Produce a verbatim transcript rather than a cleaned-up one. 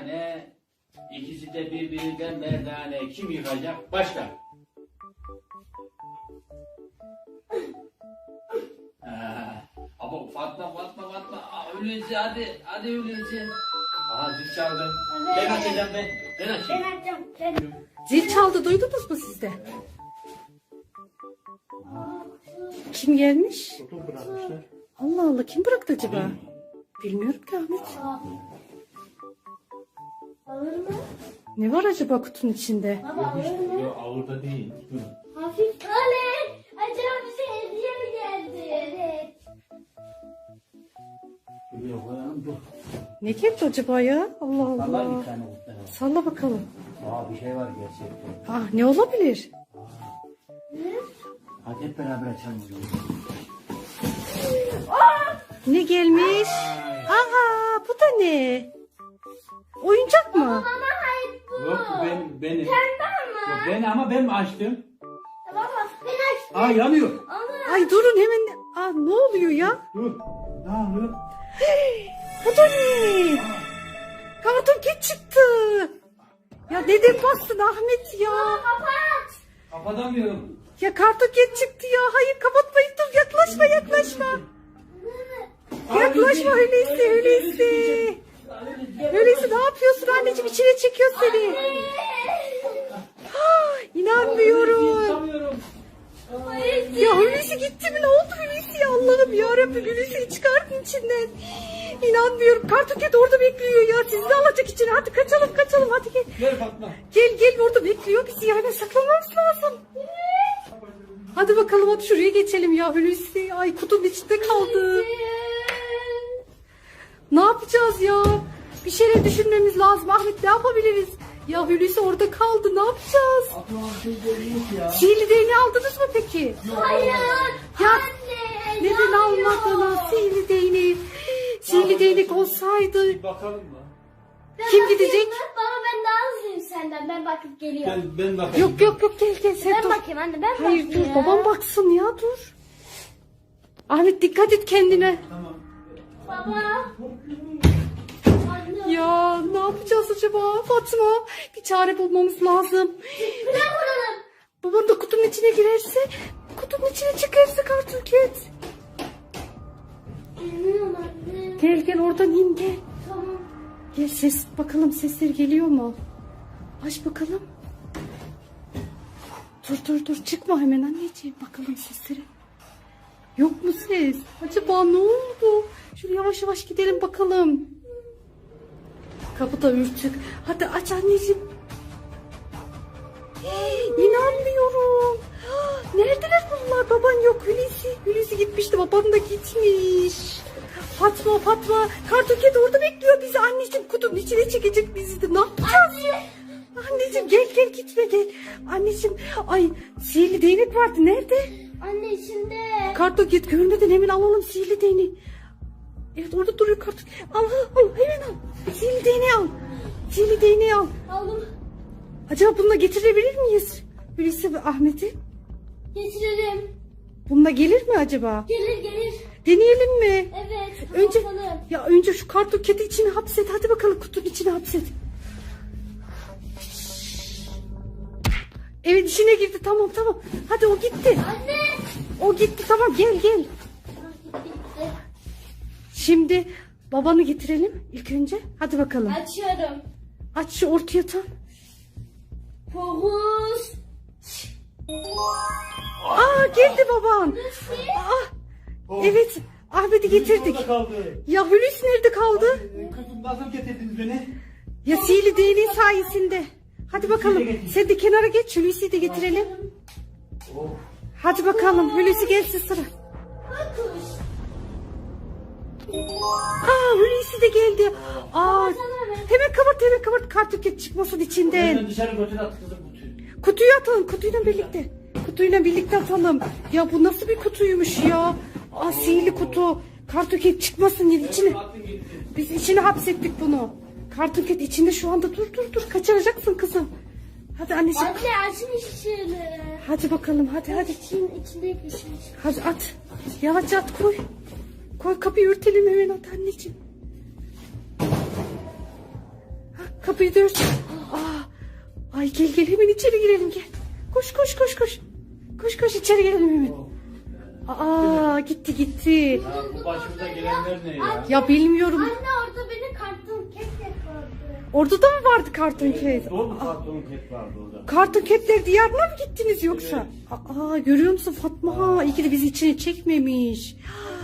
tane. İkisi de birbirinden merdane. Kim yıkacak? Başla. Aa, ama Fatma Fatma Fatma. Aa, Hulusi hadi. Hadi Hulusi. Aha zil çaldı. Evet. Ben açacağım ben. Ben Ben açayım. açacağım. Ben. Zil çaldı, duydunuz mu siz de? Kim gelmiş? Kutu bırakmışlar. Allah Allah, kim bıraktı acaba? Bilmiyorum ki Ahmet. Alır mı? Ne var acaba kutunun içinde? Baba alır mı? Yok ağırda değil. Dur. Hafif. Oley. Acaba bize hediye mi geldi? Evet. Şuraya koyalım dur. Ne geldi acaba ya? Allah Allah Allah. bir tane kutlar var. Salla bakalım. Aa bir şey var gerçekten. Ah, ne olabilir? Hadi hep beraber açalım o zaman. Ne gelmiş? Aa, bu da ne? Oyuncak mı? Baba hayır bu. Yok ben benim. Pembe ama. Yok ben ama ben mi açtım? Baba ben açtım. Aa yanıyor. Ama. Ay durun hemen. Aa, ne oluyor ya? Dur. Ne oluyor? Bu da ne? Karton Cat çıktı. Ya neden bastın Ahmet ya? Kapat. Kapatamıyorum. Ya Karton Cat çıktı ya. Hayır kapatmayın, dur yaklaşma yaklaşma. Yaklaşma öyleyse öyleyse. Öyleyse ne yapıyorsun anneciğim, içine çekiyor seni. Ah, İnanmıyorum. Yapamıyorum. Ya Hulusi gitti mi? Ne oldu Hulusi ya? Allah'ım yarabbim, Hulusi'yi çıkartın içinden. İnanmıyorum. Karton Cat orada bekliyor ya. Sizi de alacak içine. Hadi kaçalım kaçalım hadi gel. Ver Fatma. Gel gel, orada bekliyor bizi yani, saklanmamız lazım. Hadi bakalım, hadi şuraya geçelim ya Hulusi. Ay kutunun içinde kaldı. Ne yapacağız ya? Bir şeyler düşünmemiz lazım Ahmet, ne yapabiliriz? Ya Hulusi orada kaldı, ne yapacağız? Aklıma bir şey geliyor ya. Sihirli değneği aldınız mı peki? Hayır. Ya Anne. neden almadınız sihirli değneği? Sihirli değnek olsaydı. Bir bakalım mı? Ben Kim bakayım gidecek? mı? Baba ben daha hızlıyım senden. Ben bakıp geliyorum. Ben, ben bakayım. Yok yok yok, gel gel sen Ben dur. bakayım anne, ben Hayır bakayım. dur, babam baksın ya, dur. Ahmet dikkat et kendine. Tamam. Baba. Anne. Ya ne yapacağız acaba Fatma? Bir çare bulmamız lazım. Ne kuralım? Babam da kutunun içine girerse, kutunun içine çıkarsa Karton Cat. Bilmiyorum anne. Gel gel, oradan in gel. Tamam. Gel, ses bakalım, sesler geliyor mu? Aç bakalım. Dur dur dur, çıkma hemen anneciğim, bakalım sesleri. Yok mu ses? Acaba ne oldu? Şöyle yavaş yavaş gidelim bakalım. Kapı da ürtük. Hadi aç anneciğim. Hey, İnanmıyorum. Ah, neredeler bunlar? Baban yok. Hulusi. Hulusi gitmişti. Baban da gitmiş. Fatma Fatma. Karton Cat orada bekliyor bizi. Anneciğim kutunun içine çekecek bizi de. Ne yapacağız? Anneciğim gel gel, gitme gel. Anneciğim, ay sihirli değnek vardı. Nerede? Anne içinde. Karton Cat görmeden hemen alalım sihirli değneği. Evet orada duruyor Karton. Al al al, hemen al. Sihirli değneği al. Sihirli değneği al. Aldım. Acaba bununla getirebilir miyiz? Hulusi ve Ahmet'i. Getirelim. Bununla gelir mi acaba? Gelir gelir. Deneyelim mi? Evet. Önce kapatalım. ya önce şu Karton Cat'i içine hapset. Hadi bakalım, kutunun içine hapset. Evet, içine girdi. Tamam tamam. Hadi o gitti. Anne. O gitti, tamam, gel gel. Ah, gitti, gitti. Şimdi babanı getirelim ilk önce. Hadi bakalım. Açıyorum. Aç şu ortaya tam. Fokus. Aa, geldi baban. Hulusi. Aa, Oh. evet, Ahmet'i getirdik. Orada kaldı. Ya Hulusi nerede kaldı? Ee, Kızım nasıl getirdiniz beni? Ya sihirli değneği sayesinde. Hadi bakalım. Sen de kenara geç. Hulusi'yi de getirelim. Oh. Hadi bakalım. Hulusi gelsin sıra. Fokus. Aa, Hulusi de geldi. Aa, hemen kapat hemen kapat. Karton Cat çıkmasın içinden. Hemen dışarı götür at kızım kutuyu. Kutuyu atalım. Kutuyla birlikte. Kutuyla birlikte atalım. Ya bu nasıl bir kutuymuş ya? Aa, sihirli kutu. Karton Cat çıkmasın diye içine. Atın gitti. Biz içine hapsettik bunu. Karton Cat içinde şu anda. Dur dur dur. Kaçıracaksın kızım. Hadi anneciğim. Anne açmış şöyle. Hadi bakalım, hadi hadi. İçin, içinde pişmiş. Hadi at. Yavaşça at, koy. Koy, kapıyı örtelim hemen, at anneciğim. Ha, Kapıyı da ört. Aa, ay gel gel hemen içeri girelim gel. Koş koş koş koş. Koş koş içeri girelim hemen. Aa gitti gitti. Ya bu başımıza gelenler ne ya? Ya bilmiyorum. Anne orada beni karton kek yakaladı. Orada da mı vardı karton ket? Doğru karton ket vardı orada. Karton ketler diyarına mı gittiniz yoksa? Aa görüyor musun Fatma? İyi ki de bizi içine çekmemiş.